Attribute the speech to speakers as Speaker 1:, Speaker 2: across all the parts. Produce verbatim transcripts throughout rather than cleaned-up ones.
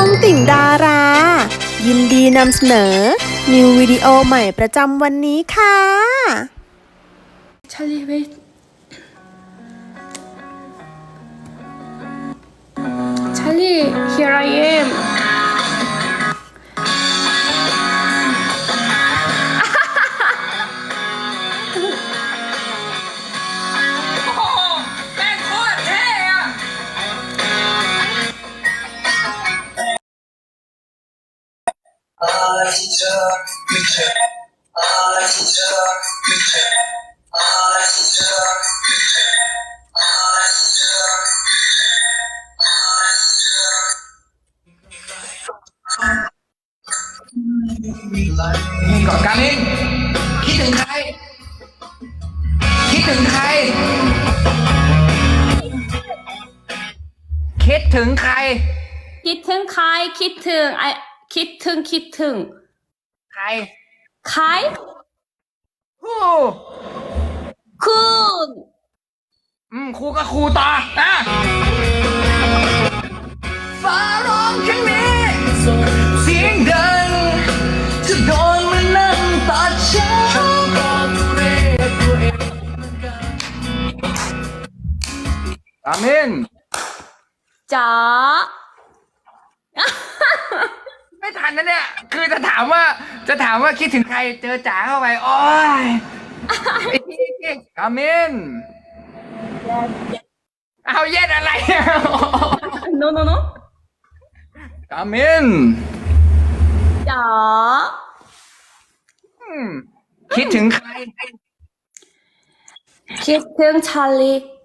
Speaker 1: องติ่งดารา ยินดีนำเสนอ นิววิดีโอใหม่ประจำวันนี้ค่ะ
Speaker 2: Charlie, wait. Charlie, here I am.
Speaker 3: Hey, ก่อนการมินคิดถึงใคร คิดถึงใคร คิดถึงใคร
Speaker 2: 키튼 카이 키튼 아 키튼 키튼
Speaker 3: ใคร
Speaker 2: 카이
Speaker 3: ฮู้
Speaker 2: 쿤
Speaker 3: อืมครูก็ครูต่ออ่ะฟ้าร้องครั้งนี้เสียงดังจะโดนมันนั่งตัดฉันอามิน
Speaker 2: 자
Speaker 3: ไม่ทันนะเนี่ย คือจะถามว่า จะถามว่าคิดถึงใคร เจอจ๋าเข้าไป โอ้ยไอ้ที่อามิน เอาเย็ดอะไร
Speaker 2: no no no
Speaker 3: อามิน
Speaker 2: 자
Speaker 3: อืมคิดถึงใคร
Speaker 2: 키튼 찰리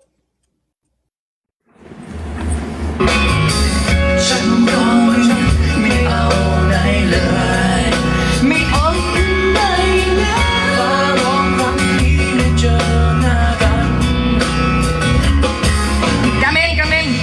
Speaker 3: ฉันร้องไม่เอาไหนเลยไม่เอาไหนเลยฟ้าร้องครั้งนี้ได้เจอหน้ากันกาเมนกาเมน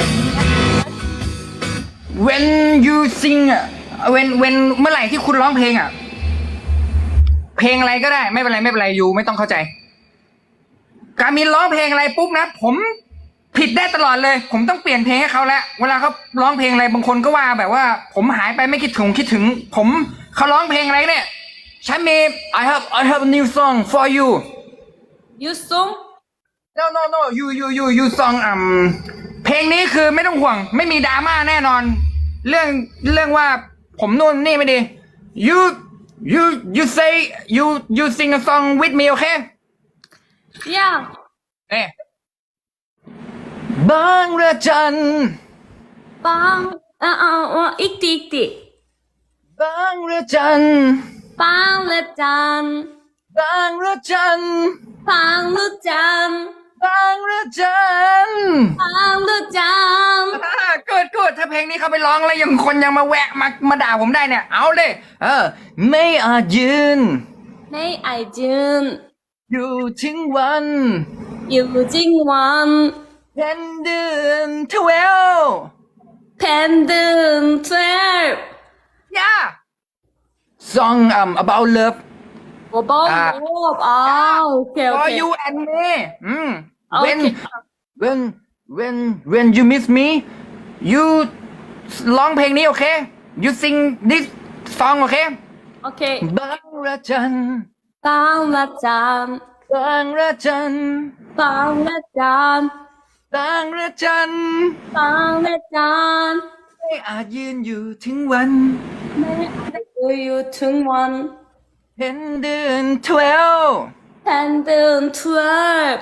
Speaker 3: when you sing อ่ะ when when เมื่อไหร่ที่คุณร้องเพลงอ่ะ เพลงอะไรก็ได้ไม่เป็นไรไม่เป็นไรยูไม่ต้องเข้าใจกามินร้องเพลงอะไรปุ๊บนะผมผิดได้ตลอดเลย ผมต้องเปลี่ยนเพลงให้เขาแล้วเวลาเขาร้องเพลงอะไรบางคนก็ว่าแบบว่า ผมหายไปไม่คิดถึงคิดถึง ผมเขาร้องเพลงอะไรเนี่ยฉันมี I have I have a new song for you
Speaker 2: 유송
Speaker 3: no no no you you you you song อืมเพลงนี้คือไม่ต้องห่วงไม่มีดราม่าแน่นอน เรื่องเรื่องว่าผมนู่นนี่ไม่ดี you you you say you you sing a song with me okay
Speaker 2: 야
Speaker 3: เอ๊ะบางระจัน
Speaker 2: 빵 아아 어 익디 익디
Speaker 3: บางระจัน
Speaker 2: 빵레짠
Speaker 3: บางระจัน
Speaker 2: 빵루짠
Speaker 3: บางระจัน
Speaker 2: 빵루짠
Speaker 3: เกิดเกิดถ้าเพลงนี้เขาไปร้องแล้วยังคนยังมาแวะมามาด่าผมได้เนี่ย เอาเลยเออ ไม่อาจยืน
Speaker 2: 메이 아이준
Speaker 3: อยู่ถึงวัน
Speaker 2: 유징원
Speaker 3: เพ็ญเดือนทเวล
Speaker 2: 팬든 twelve
Speaker 3: ย่า song um about love
Speaker 2: about
Speaker 3: 아.
Speaker 2: love 아 오케이
Speaker 3: for
Speaker 2: 오케이
Speaker 3: you and me อืม
Speaker 2: โอเค
Speaker 3: when when when when you miss me you ร้องเพลงนี้โอเค you sing this song โอเค
Speaker 2: 오케이
Speaker 3: บางระจัน
Speaker 2: 빵라짠
Speaker 3: บางระจัน
Speaker 2: 빵라짠
Speaker 3: บางระจัน
Speaker 2: 빵라짠
Speaker 3: ไม่อาจยืนอยู่ถึงวัน
Speaker 2: 메이 유충원
Speaker 3: เห็นเดือนทเวล
Speaker 2: 팬든 twelve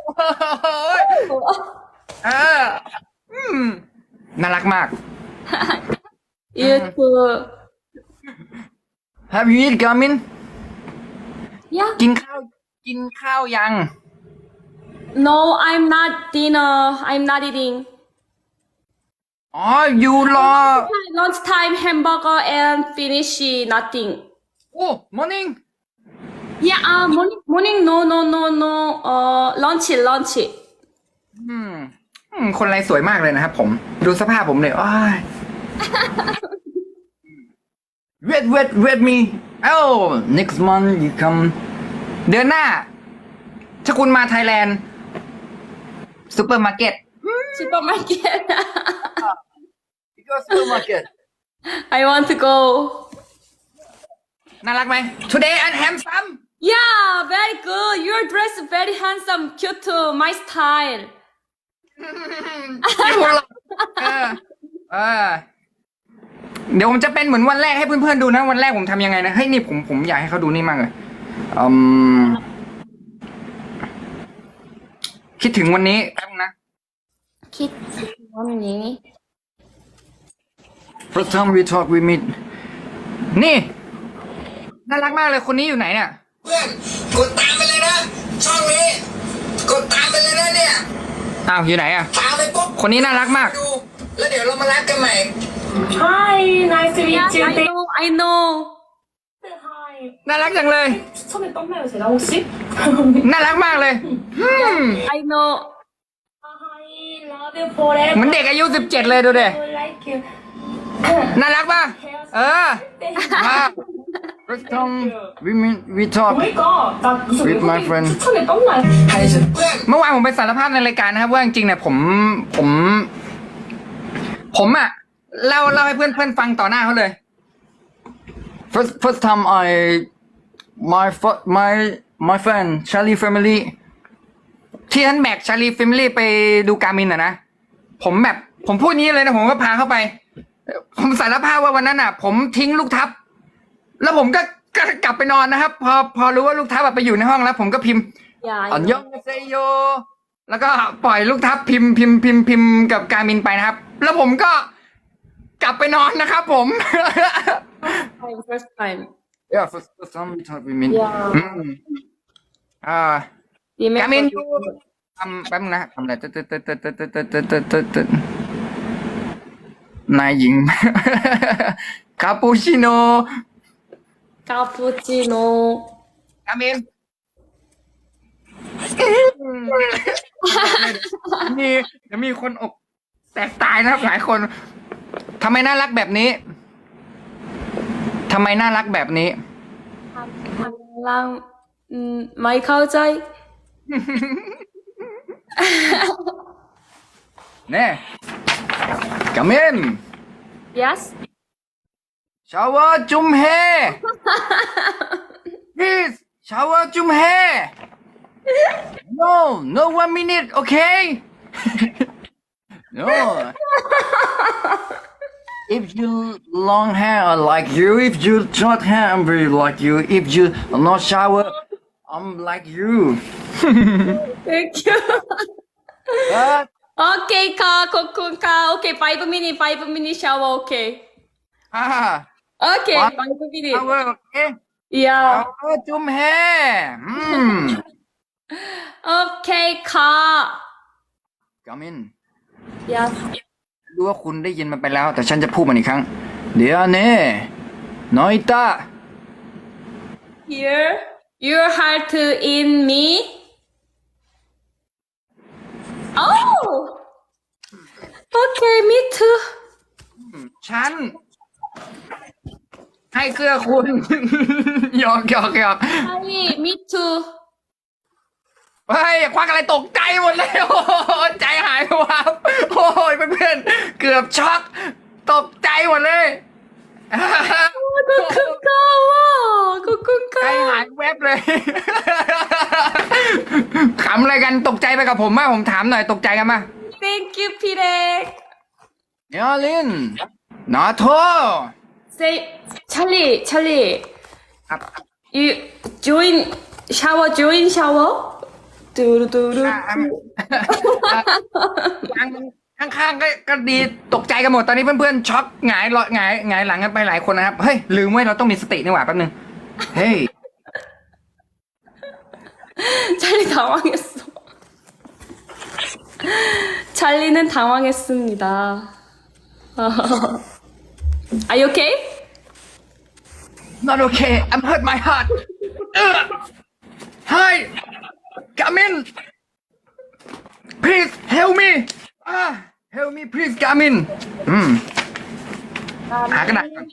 Speaker 3: เอออืมน่ารักมาก
Speaker 2: 유튜브
Speaker 3: Have you eat Garmin
Speaker 2: 야
Speaker 3: กินข้าว กินข้าวยัง
Speaker 2: No I'm not dinner I'm not eating
Speaker 3: อ๋อ อยู่รอ
Speaker 2: lunchtime hamburger and finish nothing
Speaker 3: โอ้ morning
Speaker 2: Yeah, uh, morning, morning, no, no, no, no, uh, lunch, lunch.
Speaker 3: อืมอืมคนไรสวยมากเลยนะครับผม ดูสภาพผมเลยอ้าย wait wait wait me oh next month you come เดือนหน้า ถ้าคุณมาไทยแลนด์ซูเปอร์มาร์เก็ต
Speaker 2: 슈퍼마켓.
Speaker 3: go supermarket
Speaker 2: I want to go.
Speaker 3: น่ารักไหม Today I'm handsome
Speaker 2: Yeah, very good. Your dress very handsome, cute too. My style.
Speaker 3: อยู่หรอกเออเออเดี๋ยวผมจะเป็นเหมือนวันแรกให้เพื่อนๆดูนะ วันแรกผมทำยังไงนะ เฮ้ยนี่ผมผมอยากให้เขาดูนี่มากเลยอืมคิดถึงวันนี้แป๊บนึงนะ
Speaker 2: Kid, morning.
Speaker 3: First time we talk we meet นี่ น่ารักมากเลยคนนี้อยู่ไหนเนี่ย
Speaker 4: เพื่อนกดตามไปเลยนะ ช่องนี้ กดตามไปเลยนะเนี่ย
Speaker 3: อ้าวอยู่ไหนอ่ะ
Speaker 4: ตามไปปุ๊บ
Speaker 3: คนนี้น่ารักมาก
Speaker 4: ดู แล้วเดี๋ยวเรามารักกันใหม่
Speaker 5: Hi, nice to
Speaker 2: Yeah,
Speaker 5: meet you.
Speaker 2: I
Speaker 5: Thank
Speaker 2: know, I know.
Speaker 5: you. Hi.
Speaker 3: น่ารักจังเลย
Speaker 5: 추천에 떴나요, 제가 혹시?
Speaker 3: น่ารักมากเลยอืม
Speaker 2: I know.
Speaker 5: Hi, love you forever.
Speaker 3: เหมือนเด็กอายุสิบเจ็ดเลยดูดิ
Speaker 5: like you.
Speaker 3: น่ารักป่ะ เออ มา First time we meet we talk
Speaker 5: Oh my god, 나 무슨
Speaker 3: With my friend.
Speaker 5: 외국인 추천에 떴나요?
Speaker 4: ใครฉันเพื่อน
Speaker 3: เมื่อวานผมไปสารภาพในรายการนะครับว่าจริงๆเนี่ยผมผม ผมอะเล่าเล่าให้เพื่อนเพื่อนฟังต่อหน้าเขาเลย first first time I my fir- my my friend Charlie family ที่ท่านแบก Charlie family ไปดูการมินอะนะผมแบบผมพูดนี้เลยนะผมก็พาเข้าไป ผมสารภาพว่าวันนั้นอะผมทิ้งลูกทับ แล้วผมก็ก็กลับไปนอนนะครับ พอพอรู้ว่าลูกทับอะไปอยู่ในห้องแล้ว ผมก็พิมพ์
Speaker 2: Yeah,
Speaker 3: อั
Speaker 2: I
Speaker 3: นย
Speaker 2: know.
Speaker 3: องเซโยแล้วก็ปล่อยลูกทับพิมพ์พิมพ์พิมพ์พิมพ์กับการมินไปนะครับ แล้วผมก็กลับไปนอนนะครับผม
Speaker 2: Time, first time.
Speaker 3: yeah first first time we talk we meet
Speaker 2: Yeah.
Speaker 3: อืมอ่า
Speaker 2: Remember
Speaker 3: การมิน
Speaker 2: you.
Speaker 3: ทำแป๊บนึงนะทำอะไรตึ๊ดตึ๊ดตึ๊ดตึ๊ดตึ๊ดตึ๊ดตึ๊ดตึ๊ดตึ๊ดตึ๊ดนายหญิง คาปูชิโน่
Speaker 2: Cappuccino.
Speaker 3: การมิน มีเดี๋ยวมีคนอกแตกตายนะครับหลายคนทำไมน่ารักแบบนี้ทำไมน่ารักแบบนี้
Speaker 2: lang, um, my culture.
Speaker 3: เน่กามิน
Speaker 2: Yes.
Speaker 3: ชาวาจุมเฮ please ชาวาจุมเฮ no no one minute okay no if you long hair I like you if you short hair I'm very like you if you not shower I'm like you
Speaker 2: Thank you.
Speaker 3: but
Speaker 2: Okay, ka, kokun ka. Okay, five minute, five minute shower. Okay.
Speaker 3: ah
Speaker 2: Okay,
Speaker 3: What?
Speaker 2: five minute.
Speaker 3: shower okay
Speaker 2: Yeah.
Speaker 3: ชาวาจุมเฮอืม
Speaker 2: Okay, ka.
Speaker 3: กามิน
Speaker 2: Yes.
Speaker 3: รู้ว่าคุณได้ยินมันไปแล้ว แต่ฉันจะพูดมันอีกครั้ง เดี๋ยวเน่น้อยตา
Speaker 2: Here, your heart in me. Oh. Okay, me too.
Speaker 3: ฉัน ให้เกลือคุณ หยอกหยอกหยอก
Speaker 2: Hi, me too.
Speaker 3: เฮ้ยควักอะไรตกใจหมดเลย โอ้โหใจหายวับโอ้ยเพื่อนๆเกือบช็อกตกใจหมดเลย
Speaker 2: 고쿤카.
Speaker 3: ใจหาย
Speaker 2: 고쿤카.
Speaker 3: แวบเลย ขำอะไรกันตกใจไปกับผมมากผมถามหน่อยตกใจกันมา
Speaker 2: Thank you, Pirek.
Speaker 3: ยอลินนาโท
Speaker 2: Say, Charlie, Charlie.
Speaker 3: ครับ
Speaker 2: You join shower, join shower. Do do do.
Speaker 3: ข้างข้างๆก็ก็ดีตกใจกันหมดตอนนี้เพื่อนๆช็อกหงายหลอหงายหงายหลังกันไปหลายคนนะครับเฮ้ยลืมไว้เราต้องมีสตินี่หว่าแป๊บนึงเฮ้ย
Speaker 2: 찰리 당황했어. 찰리는 당황했습니다. Are you okay?
Speaker 3: not okay I'm hurt my heart เออ Hi Gamin please help me อ่า help me please Gamin อืมหากระดาษก่อน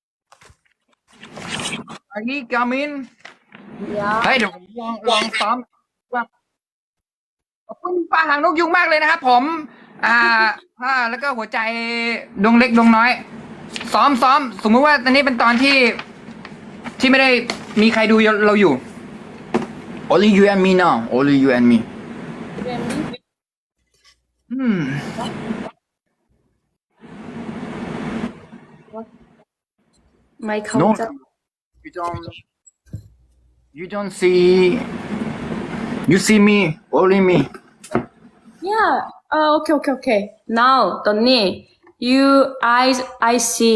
Speaker 3: อันนี้ Gamin
Speaker 2: Yeah.
Speaker 3: เฮ้ยเดี๋ยวผมลองลองซ้อมว่าขอบคุณป้าหางนกยุงมากเลยนะครับผม อ่าอ่าแล้วก็หัวใจดวงเล็กดวงน้อยซ้อมซ้อมสมมุติว่าตอนนี้เป็นตอนที่ ที่ไม่ได้มีใครดูเราอยู่ only you and me now only you and me อืม
Speaker 2: My
Speaker 3: no
Speaker 2: culture.
Speaker 3: you don't you don't see you see me only me
Speaker 2: Yeah. Uh, okay, okay, okay. Now, Donnie, you eyes, I see.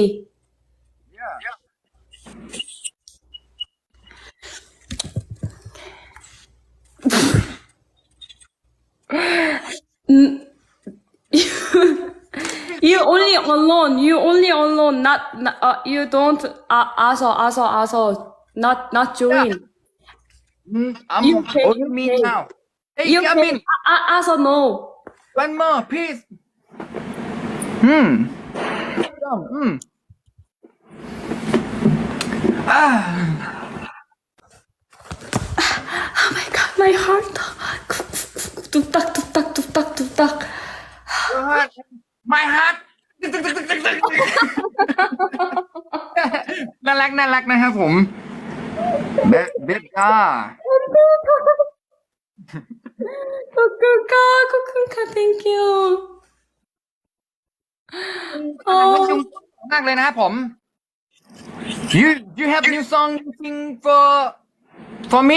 Speaker 2: You only alone. You only alone. Not, not uh, you don't. Uh, also, also, also. Not, not join.
Speaker 3: Mm, I'm
Speaker 2: You pay,
Speaker 3: only
Speaker 2: you
Speaker 3: me
Speaker 2: pay.
Speaker 3: now hey
Speaker 2: You
Speaker 3: come in
Speaker 2: can, uh, also no.
Speaker 3: one more please อืมอืมอ่า
Speaker 2: Oh my god, my heart. Tuk tak, tuk tak, tuk tak, tuk tak.
Speaker 3: my heart น่ารักน่ารักนะครับผมเบเบก้า
Speaker 2: Kukuka, kukuka, thank you.
Speaker 3: ขอบคุณ
Speaker 2: Oh,
Speaker 3: มากเลยนะครับผม you you have new song you sing for for me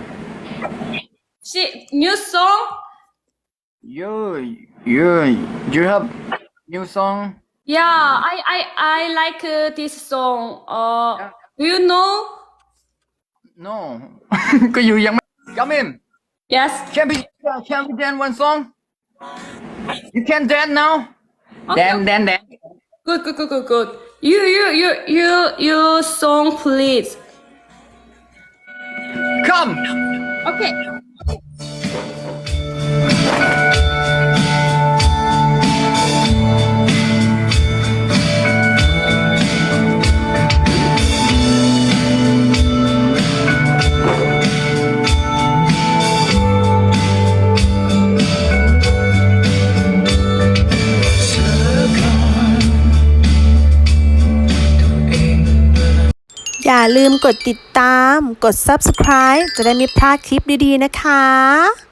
Speaker 2: she new song.
Speaker 3: you you you have new song
Speaker 2: Yeah, I I I like uh, this song. Uh, do you know?
Speaker 3: no ก็อยู่ยังไม่ come in
Speaker 2: Yes.
Speaker 3: can we can we dance one song you can dance now
Speaker 2: Okay.
Speaker 3: dance dance dance
Speaker 2: Good, good, good, good, good. You you you you you song, please.
Speaker 3: come
Speaker 2: Okay.
Speaker 1: ๆ อย่าลืมกดติดตาม กด ซับสไครบ์ จะได้ไม่พลาดคลิปดีๆนะคะ